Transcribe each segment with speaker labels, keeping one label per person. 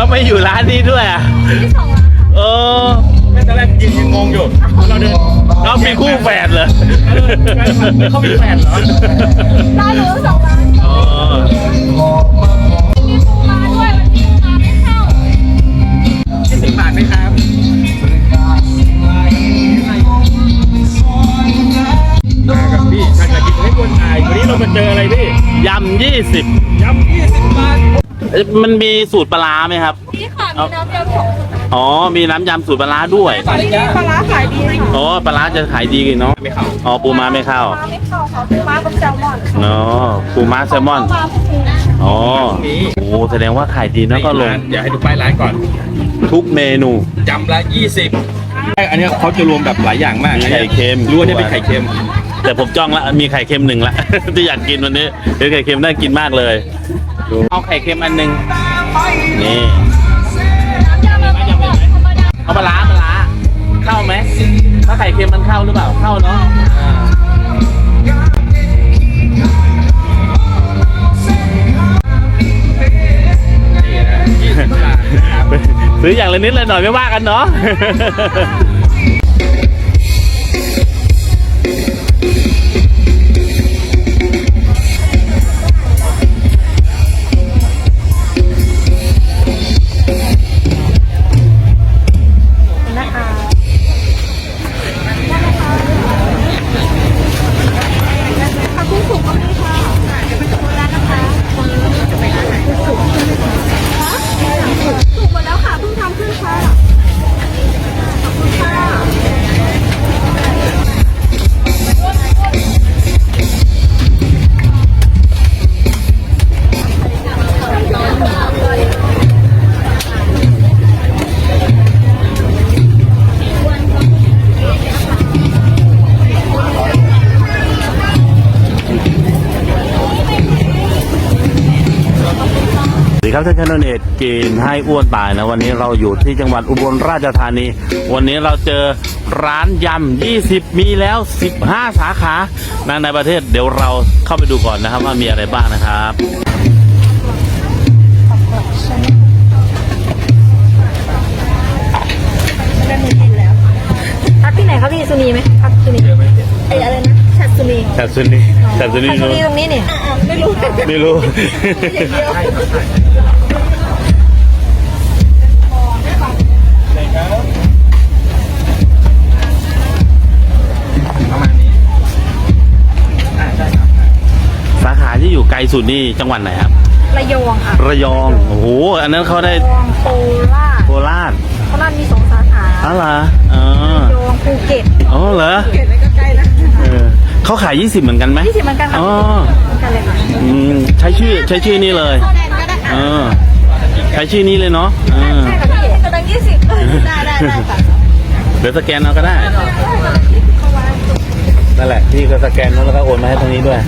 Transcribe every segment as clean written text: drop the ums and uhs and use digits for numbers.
Speaker 1: แล้วไม่อยู่ร้านนี้ด้วยอ่ะ
Speaker 2: ที่สองร้านค่ะ
Speaker 1: เออ
Speaker 3: ตอนแรกยืนงงอยู่เราเดิน
Speaker 1: เขามีคู่แฝดเหรอ
Speaker 3: เขามีแฟนเหรอ
Speaker 2: ร้านหนูสองร้าน
Speaker 1: อ๋อ
Speaker 2: มีปูมาด้วยวันนี้ปูมาไม่เข้า
Speaker 3: 20 บาทไหมครับมากับพี่ชาติกิจให้คนถ่ายวันนี้เรามาเจออะไรพี่
Speaker 1: ยำ20
Speaker 3: ยำ20 บาท
Speaker 1: มันมีสูตรปลาร้าไหมครับ
Speaker 2: นี่ค่ะมีน้ำยำของ
Speaker 1: อ๋อ มีน้ำยำสูตรปลาร้าด้วย
Speaker 2: ปลาร้าขายดีค่ะ
Speaker 1: อ๋อ ปลาร้าจะขายดีเนาะ
Speaker 3: ไม่เข้า
Speaker 1: อ๋อ ปูม้าไม่เข้า
Speaker 2: ปลาไม่เข้าค่ะปูม้ากับแซลมอน
Speaker 1: อ๋อ ปูม้าแซลมอน
Speaker 2: ปลาพวกนี้
Speaker 1: อ๋อ โอ้แสดงว่าขายดีนะก็ลง
Speaker 3: เดี๋ยวให้ดูป้ายร้านก่อน
Speaker 1: ทุกเมนู
Speaker 3: จำละ20อันนี้เขาจะรวมแบบหลายอย่างมาก
Speaker 1: มีไข่เค็ม
Speaker 3: รู้ว่าเนี่ยเป็นไข่เค็ม
Speaker 1: แต่ผมจ้องละมีไข่เค็มหนึ่งละ ที่อยากกินวันนี้คือไข่เค็มน่ากินมากเลยดูเอาไข่เค็มอันหนึ่งนี่
Speaker 2: น้ำยำมันเป็นแบบธรรมดา
Speaker 1: เอาปลาร้าเข้าไหมถ้าไข่เค็มมันเข้าหรือเปล่าเข้าเนาะ
Speaker 3: นี่นะ20 บาทครับ
Speaker 1: ซื้ออย่างละนิดละหน่อยไม่ว่ากันเนาะ
Speaker 2: นะคะผักกุ้งสุกก็มีค่ะจะเป็นตัวร้านนะคะจะไปร้านไหนสุกใช่ไหมคะสุกหมดแล้วค่ะเพิ่งทำขึ้นค่ะขอบคุณค่ะ
Speaker 1: สวัสดีครับท่านชนเนตกินให้อ้วนตายนะวันนี้เราอยู่ที่จังหวัดอุบลราชธานี วันนี้เราเจอร้านยำ20มีแล้ว15สาขาในประเทศเดี๋ยวเราเข้าไปดูก่อนนะครับว่ามีอะไรบ้างนะครับ
Speaker 2: ได้มือกินแล้วพักที่ไหนครับพี่สุนีไหมพักสุนีไออะไรนะชัดสุนี
Speaker 1: แต่ซุนีแต่ซุนี
Speaker 2: ชัดสุนีตรงนี้เนี่ยไม่รู้
Speaker 1: ไม่รู้
Speaker 2: อย่างเดียว
Speaker 3: ประมาณนี้ใช่ครับ
Speaker 1: สาขาที่อยู่ไกลสุดนี่จังหวัดไหนครับ
Speaker 2: ระยองค่ะ
Speaker 1: ระยองโอ้โหอันนั้นเขาได้
Speaker 2: ระยองโคราช
Speaker 1: โคราช
Speaker 2: โคราชมี2 สาขา
Speaker 1: อ๋อเหรออ๋อ
Speaker 2: ระยองภูเก็ต
Speaker 1: อ๋อเหรอ
Speaker 2: ภูเก็ตก็ใกล้นะ
Speaker 1: เออเขาขาย20เหมือนกันไหม
Speaker 2: 20เหมือนกันค่ะ
Speaker 1: อ๋อ
Speaker 2: เหมือนกันเลยค่ะ
Speaker 1: ใช้ชื่อนี้เลยเออใช้ชื่อนี้เลยเนาะเออ
Speaker 2: ใช่ค่ะพี่กำลัง20ได้ค่ะ
Speaker 1: เดี๋ยวสแกนเอาก็ได้นั่นแหละพี่ก็สแกนแล้วก็โอนมาให้ทางนี้ด้วย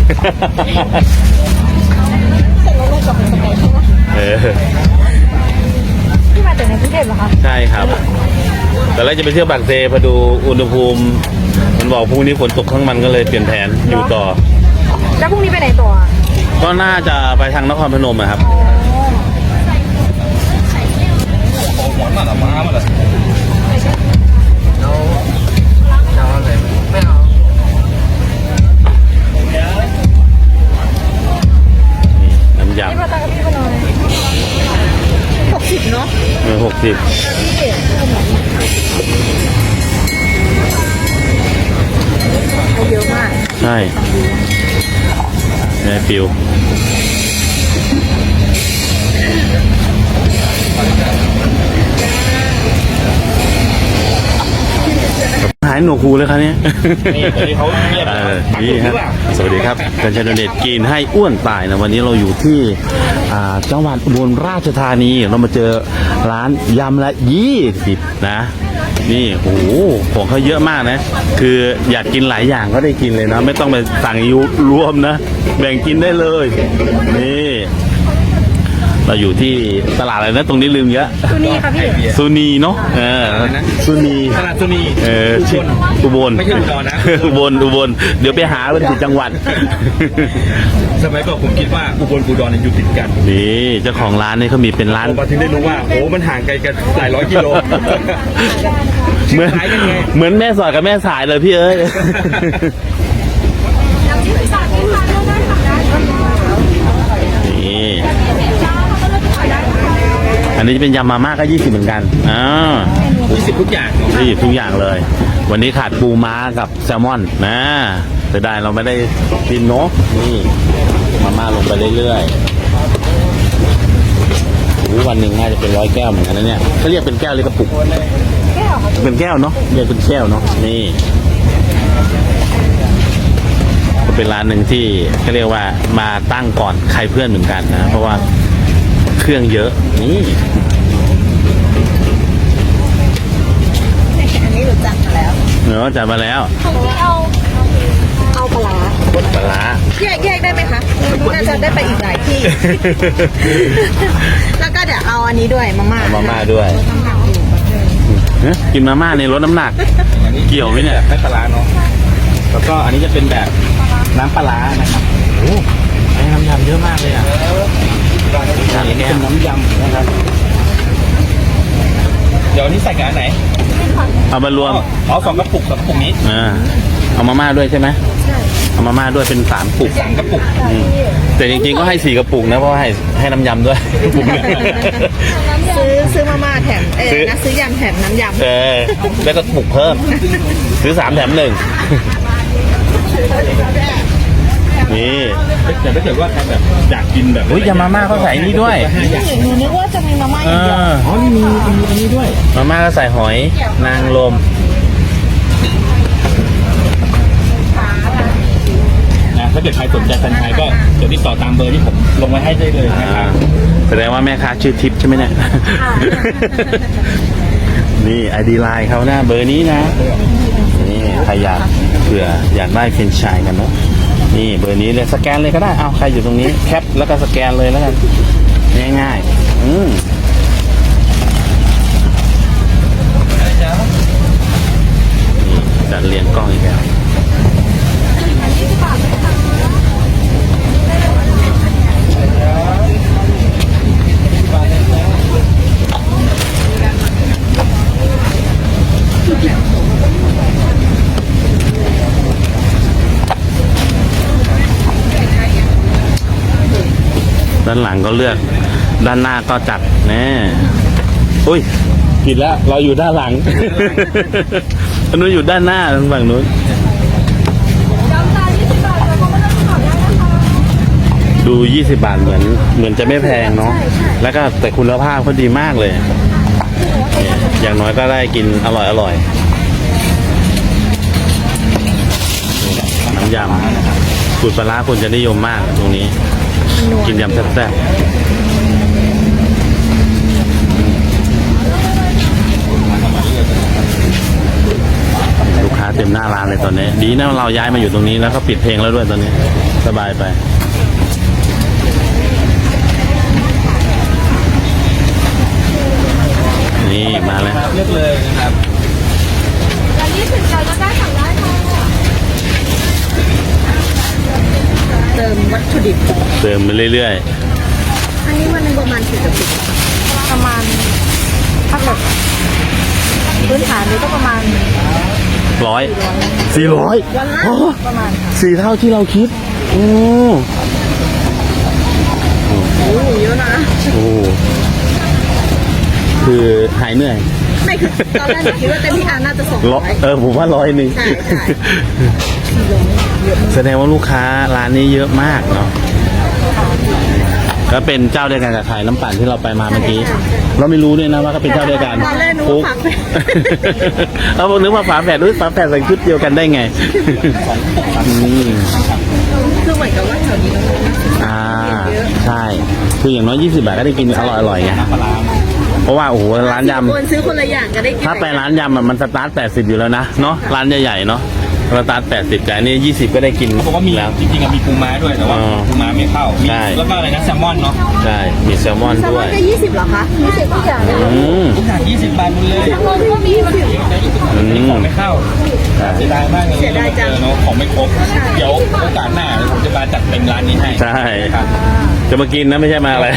Speaker 2: เสร็จแล้วลงกับสเปซใช่ไหม
Speaker 1: เออ
Speaker 2: พี่มาจากในกรุงเทพเหรอคะ
Speaker 1: ใช่ครับแต่แรกจะไปเที่ยวบางเซพอดูอุณหภูมิ มันบอกพรุ่งนี้ฝนตกทั้งมันก็เลยเปลี่ยนแผนอยู่ต่อ
Speaker 2: แล้วพรุ่งนี้ไปไหนต่อ
Speaker 1: ก็น่าจะไปทางนครพนมอะครับ
Speaker 3: หวานมากหรอมาหรอเอาอะไรไม่เอา
Speaker 1: น้ำย
Speaker 2: พี่มาตามกับพี่ไปหน่อย60เนาะ
Speaker 1: ำ60
Speaker 2: เยอะมาก
Speaker 1: ใช่ในฟิวหายหนวกหูเลยครับเนี่ย
Speaker 3: นี่เขาเรียก
Speaker 1: นี่ฮะสวัสดีครับกันชัยเดชกินให้อ้วนตายนะวันนี้เราอยู่ที่จังหวัดอุบลราชธานีเรามาเจอร้านยำละ20นะ นี่โอ้โหของเขาเยอะมากนะ คืออยากกินหลายอย่างก็ได้กินเลยนะ ไม่ต้องไปสั่งยุรวมนะ แบ่งกินได้เลย นี่เราอยู่ที่ตลาดอะไรนะตรงนี้ลืมเยอะ
Speaker 2: ตัวนี้ค่ะพี่
Speaker 1: ซูนีเนาะซูนี
Speaker 3: ตลาดสุนี
Speaker 1: ชื่ออุบล
Speaker 3: ไม่ใช่อุดรนะ
Speaker 1: อุบลเดี๋ยวไปหาเป็นผิดจังหวัด
Speaker 3: สมัยก่อนผมคิดว่าอุบลอุดรอยู่ติดกัน
Speaker 1: นี่เจ้าของร้านนี่เขามีเป็นร้าน
Speaker 3: ผมมาถึงได้รู้ว่าโอ้มันห่างไกลกันหลายร้อยกิโล
Speaker 1: เหมือน
Speaker 3: คล้ายกันไง
Speaker 1: เหมือนแม่สอดกับแม่สายเลยพี่เอ้ย
Speaker 2: น้ำจิ้มสาดที่ทานได้ค่ะได้ค่ะ
Speaker 1: นี่
Speaker 2: จ้าเขาก็เลยขายได้ค่ะ
Speaker 1: อันนี้จะเป็นยำมาม่าก็20เหมือนกัน
Speaker 3: 20ทุกอย่าง
Speaker 1: 20ทุกอย่างเลย วันนี้ขาดปูม้ากับแซลมอนนะแต่ได้เราไม่ได้กินเนาะนี่มาม่าลงไปเรื่อยๆโอ้วันหนึ่งน่าจะเป็น100 แก้วเหมือนกันนะเนี่ยเขาเรียกเป็นแก้วหรือกระปุก
Speaker 2: แก้วค่ะ
Speaker 1: เป็นแก้วเนาะเรียกเป็นแก้วเนาะนี่ก็เป็นร้านหนึ่งที่เขาเรียกว่ามาตั้งก่อนใครเพื่อนเหมือนกันนะเพราะว่าเครื่องเยอะนี่
Speaker 2: อันนี้หนูจัดมาแล้ว
Speaker 1: เนาะจัดมาแล้ว
Speaker 2: ของพี่เอาปลาร้า
Speaker 1: ปลาร้า
Speaker 2: แยกได้ไหมคะน่าจะได้ไปอีกหลายที่ แล้วก็เดี๋ยวเอาอันนี้ด้วยมาม่า
Speaker 1: เอามาม่าด้วยกินมาม่าในลดน้ำหนัก เกี่ยวไหมเนี่ย
Speaker 3: ไม่ปลาร้าเนาะแล้วก็อันนี้จะเป็นแบบน้ำปลาร้านะครับ
Speaker 1: โอ้ให้น้ำยำเยอะมากเลยอ่ะ
Speaker 3: อันนี้เป็นน้ำยำนะครับเดี๋ยวอันนี้ใส่กับอันไหน
Speaker 1: เอามารวม
Speaker 3: อ๋อ2 กระปุกนี้
Speaker 1: เอามาม่าด้วยใช่ไหมใช่เอามาม่าด้วยเป็น3 ปุก
Speaker 3: 3 กระปุก
Speaker 1: แต่จริงๆก็ให้4 กระปุกนะเพราะว่าให้น้ำยำด้วยปุกหนึ่ง
Speaker 2: ซื้อมาม่าแถมนะซื้อยำแถมน้ำยำ
Speaker 1: แล้วก็ปุกเพิ่มซื้อ3 แถม 1นี่
Speaker 3: แต่ถ้าเกิดว่าใครแบบอยากกินแบบ
Speaker 1: อุ้ยยำมาม่าเขาใส่นี่ด้วย
Speaker 2: หนูนึกว่าจะมีมาม่าอย่างเดียว
Speaker 3: อ๋อนี่มีอันนี้ด้วย
Speaker 1: มาม่าก็ใส่หอยนางรม
Speaker 3: นะถ้าเกิดใครสนใจแฟรนไชส์ก็เดี๋ยวติดต่อตามเบอร์ที่ผมลงไว้ให้ได้เลยนะครับ
Speaker 1: แสดงว่าแม่ค้าชื่อทิพย์ใช่ไหมเนี่ย นี่ไอดีไลน์เขานะเบอร์นี้นะ นี่ใครอยากเผื่ออยากได้เฟรนไชส์กันเนาะนี่เบอร์นี้เลยสแกนเลยก็ได้เอาใครอยู่ตรงนี้แคปแล้วก็สแกนเลยแล้วกันง่ายๆนี่จัดเรียงกล้องอีกแล้วด้านหลังก็เลือกด้านหน้าก็จัดแน่อุ้ยผิดแล้วเราอยู่ด้านหลัง อันนู้นอยู่ด้านหน้าฝั่งนู้น
Speaker 2: ยำจาน20 บาทแล้วก็ไม่ต้องขอได้นะคะ
Speaker 1: ดู20 บาทเหมือนจะไม่แพงเนาะแล้วก็แต่คุณภาพเขาดีมากเลยเนี่ยอย่างน้อยก็ได้กินอร่อยน้ำยำสูตรปลาร้าคนจะนิยมมากตรงนี้กินยำแซ่บๆลูกค้าเต็มหน้าร้านเลยตอนนี้ ดีนะเราย้ายมาอยู่ตรงนี้แล้วก็ปิดเพลงแล้วด้วยตอนนี้สบายไปนี่มาแล้ว
Speaker 3: เลือกเลยนะครับ
Speaker 2: ร้าน20 บาทก็ได้สั่งได้ค่ะเติมวัตถุดิบ
Speaker 1: เติมไปเรื่อย
Speaker 2: อันนี้วันหนึงประมาณ4 กระปุกประมาณถ้าแบบพื้นฐานนี้ก็ประมาณ
Speaker 1: ๆ400
Speaker 2: วันละประมาณค่ะ
Speaker 1: 4 เท่าที่เราคิดโอ้
Speaker 2: โอ้เยอะนะ
Speaker 1: โหคือหายเหนื่อย
Speaker 2: ไม่คือตอนแรกหนูคิดว่าเต็มที่น่าจะ200
Speaker 1: ผมว่า100
Speaker 2: ใช่
Speaker 1: แสดงว่าลูกค้าร้านนี้เยอะมากเนาะก็เป็นเจ้าเดียวกันกับขายน้ำปั่นที่เราไปมาเมื่อกี้ เราไม่รู้ด้วยนะว่าเขาเป็นเจ้าเดียวกัน
Speaker 2: ตอนแรกหนู
Speaker 1: ปุ๊บ
Speaker 2: ฝากไป
Speaker 1: เราบอกนึกว่าฝาแฝดด้วยฝาแฝดใส่ชุดเดียวกันได้ไงอืม
Speaker 2: คือเหมือนกับว่าแถวนี้เรา
Speaker 1: ใช่คืออย่างน้อย20 บาทก็ได้กินอร่อยๆไงเพราะว่าโอ้โหร้านยำ
Speaker 2: คนซื้อคนละอย่างก็ได้กิน
Speaker 1: ถ้าไปร้านยำอะมันสตาร์ท80อยู่แล้วนะเนาะร้านใหญ่ๆเนาะสตาร์ท80แต่อันนี้20ก็ได้กิน
Speaker 3: เขาบอกว่ามี
Speaker 1: แล้ว
Speaker 3: จริงๆอะมีปูม้าด้วยแต่ว่า
Speaker 1: อ๋อ
Speaker 3: ปูม้าไม่เข้ามี
Speaker 1: ใช่
Speaker 3: แล้วก็อะไรนะแซลมอนเนาะ
Speaker 1: ใช่มีแซลมอน
Speaker 2: แซล
Speaker 1: ด้
Speaker 2: ม
Speaker 1: ว
Speaker 2: อน
Speaker 1: ย
Speaker 2: จะ20เหรอคะ20ทุกอย่างเลย
Speaker 1: อืม
Speaker 3: ทุกอย่าง20 บาทหมดเลย
Speaker 2: แซลมอนก็มี20
Speaker 3: อันนี้ของไม่เข้าเสียดายมากเลย
Speaker 2: เสียดายจัง
Speaker 3: เนาะของไม่ครบเดี๋ยวโอกาสหน้าผมจะมาจัดเต็มร้านนี้ให้
Speaker 1: ใช่
Speaker 3: ครับ
Speaker 1: จะมากินนะไม่ใช่มาอะไร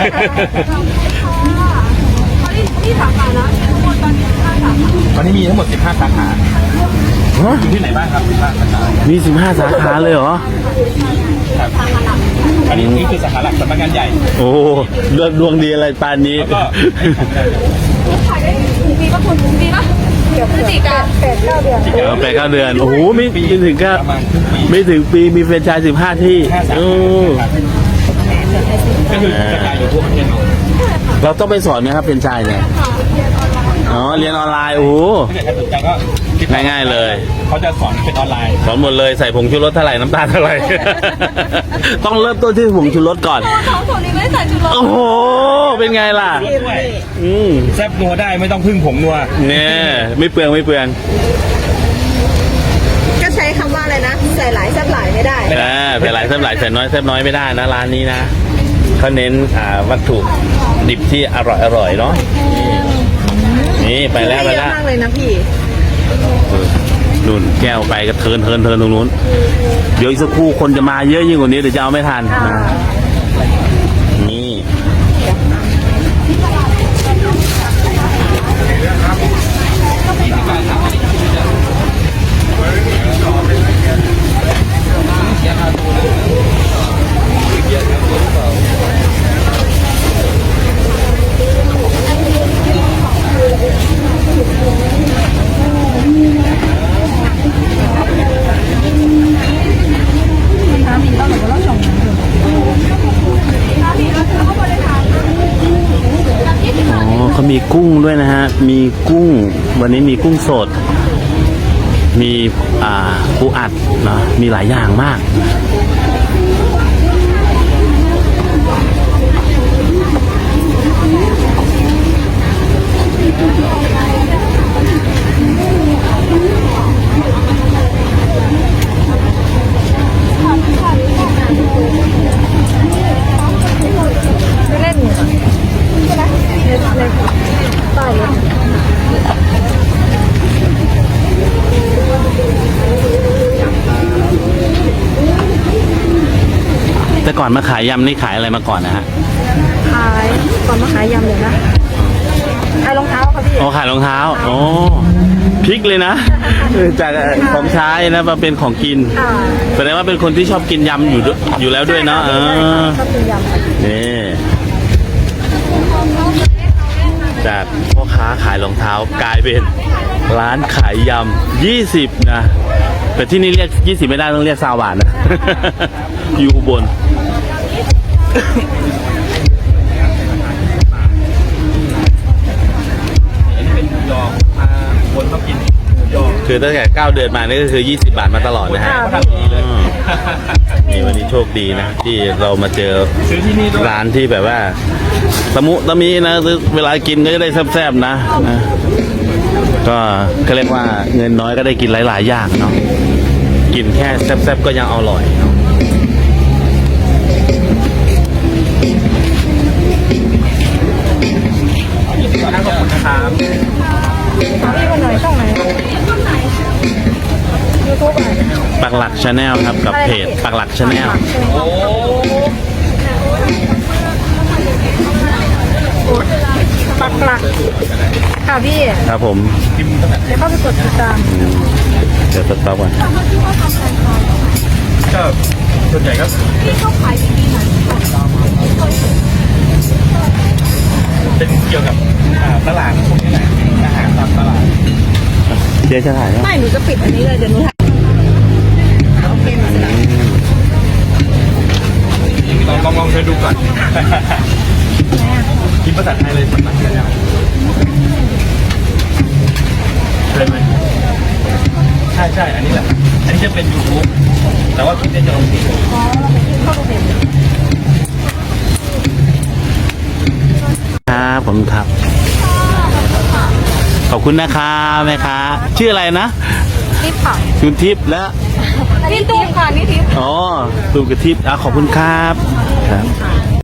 Speaker 2: นี่สาขานะทั้งหมดตอนนี้5สาขา
Speaker 3: ตอนนี้มีทั้งหมด15 สาขา
Speaker 1: ฮะ
Speaker 3: อยู่ที่ไหนบ้างครับ15 สาขา
Speaker 1: มี15สาขาเลยเหรอ
Speaker 3: ครับอันนี้นี่คือสาขาหลักสำนักงานใหญ่
Speaker 1: โอ้เลือกดวงดีอะไรปานนี้
Speaker 3: แล้วก็ให้ของได้เลย
Speaker 2: ขายได้ปีป่ะคุณปีป่ะเดี๋ยวพฤศจิกา8-9 เดือน
Speaker 1: ไป9 เดือน โอ้โหไม่ถึงก็
Speaker 3: ประมาณครึ่งปี
Speaker 1: ไม่ถึงปีมีแฟรนไชส์15 ที่
Speaker 3: 5 สา
Speaker 1: โอ้
Speaker 3: ขาก็คือกระจายอยู่ทั่วประเทศเนาะ
Speaker 1: เราต้องไปสอนไหมครับแฟรนไชส์เนี่ยอ๋อเรียนออนไลน์โอ้โห
Speaker 3: ถ้าเกิดใครสนใจก็ติดต่อ
Speaker 1: ง่ายๆเลย
Speaker 3: เขาจะสอนเป็นออนไลน์
Speaker 1: สอนหมดเลยใส่ผงชูรสเท่าไหร่น้ำตาลเท่าไหร่ ต้องเริ่มต้นที่ผงชูรสก่อน
Speaker 2: ของผมนี่ไม่ได้ใส่ชูรส
Speaker 1: โอ้โห เป็นไงล่ะ
Speaker 3: ด้วย
Speaker 1: อืม
Speaker 3: แซ่บนัวได้ไม่ต้องพึ่งผงนัว
Speaker 1: เนี่ยไม่เปลืองไม่เปลือง
Speaker 2: ก็ใช้คำว่าอะไรนะใส่หลายแซ่บหลายไม่ได้
Speaker 1: แต่หลายแซ่บหลายแซ่บน้อยแซ่บน้อยไม่ได้นะร้านนี้นะเขาเน้นวัตถุดิบที่อร่อยเนาะนี่ไปแล้วไป
Speaker 2: เย
Speaker 1: แล้
Speaker 2: อะ
Speaker 1: ว
Speaker 2: มากเลยนะพี่
Speaker 1: นุ่นแก้วไปก็เทินตรงนู้นเดี๋ยวอีกสักครู่คนจะมาเยอะยิ่งกว่านี้เดี๋ยวจะเอาไม่ทันนะนี่ อ๋อเขามีกุ้งด้วยนะฮะ มีกุ้ง วันนี้มีกุ้งสด มีปูอัดเนาะมีหลายอย่างมาก
Speaker 2: เล่นใช่ไหมในป้ายรถ
Speaker 1: แต่ก่อนมาขายยำนี่ขายอะไรมาก่อนนะฮะ
Speaker 2: ขายก่อนมาขายยำเลยนะขายรองเท้าค่ะพี่
Speaker 1: อ๋อขายรองเท้าอ๋อพลิกเลยนะจากของใช้นะมาเป็นของกิน
Speaker 2: อ่า
Speaker 1: แสดงว่าเป็นคนที่ชอบกินยำอยู่แล้วด้วยเนาะ
Speaker 2: ชอบกินยำค่ะ
Speaker 1: นี่จากพ่อค้าขายรองเท้ากลายเป็นร้านขายยำ20นะแต่ที่นี่เรียก20ไม่ได้ต้องเรียก20 บาทนะ อยู่อุบล
Speaker 3: อันนี้เป็นหมูยอคนชอบกินหมูยอ
Speaker 1: คือตั้งแต่9 เดือนมานี่ก็คือ20 บาทมาตลอดนะฮะ
Speaker 3: ทำดีเลย
Speaker 1: นี่วันนี้โชคดีนะ ที่เรามาเจอ
Speaker 3: ซื้อที่นี่ด้วย
Speaker 1: ร้านที่แบบว่าตะมุตะมีนะเวลากินก็จะได้แซ่บๆนะก็เรียกว่าเงินน้อยก็ได้กินหลายๆอย่างเนาะกินแค่แซ่บๆก็ยังอร่อยเนาะ
Speaker 3: ขอบคุณนะครับ
Speaker 2: พี่มาหน่อยช่องไหนยูทูบอ่ะ
Speaker 1: ปักหลักชาแนลครับกับเพจปักหลักชาแนล
Speaker 3: โอ้
Speaker 2: ปักหลักค่ะพี่
Speaker 1: ครับผม
Speaker 3: พิมพ์ตั้งแต่
Speaker 2: เดี๋ยวเข้าไปกดติดตาม
Speaker 1: เดี๋ยวสต็อปก่อน
Speaker 3: ก็ส่วนใหญ่ก็เป็นเกี่ยวกับตลาดพวกนี้แหละอาหารตามตลาด
Speaker 1: เจ๊จะถ่ายไหม
Speaker 2: ไม่หนูจะปิดอันนี้เลยเดี๋ยวหนูถ่ายโอเคมาแล้ว
Speaker 3: ลองเธอดูก่อนพิมพ์ภาษาไทยเลยสำนักงานแล้วเลยไหมใช่อันนี้แหละอันนี้จะเป็น YouTube แต่ว่าคลิปนี้จะลงที่
Speaker 2: อ๋อเราไปที่เข้าดูเพจ
Speaker 1: ครับผมครับ ขอบคุณนะครับแม่ค้าชื่ออะไรนะ
Speaker 2: ทิพย์ค่ะ
Speaker 1: คุณทิพย์และ
Speaker 2: นี่ตุ้มค่ะนี่ทิพย์
Speaker 1: อ๋อตูมกับทิพย์ขอบคุณครับครับ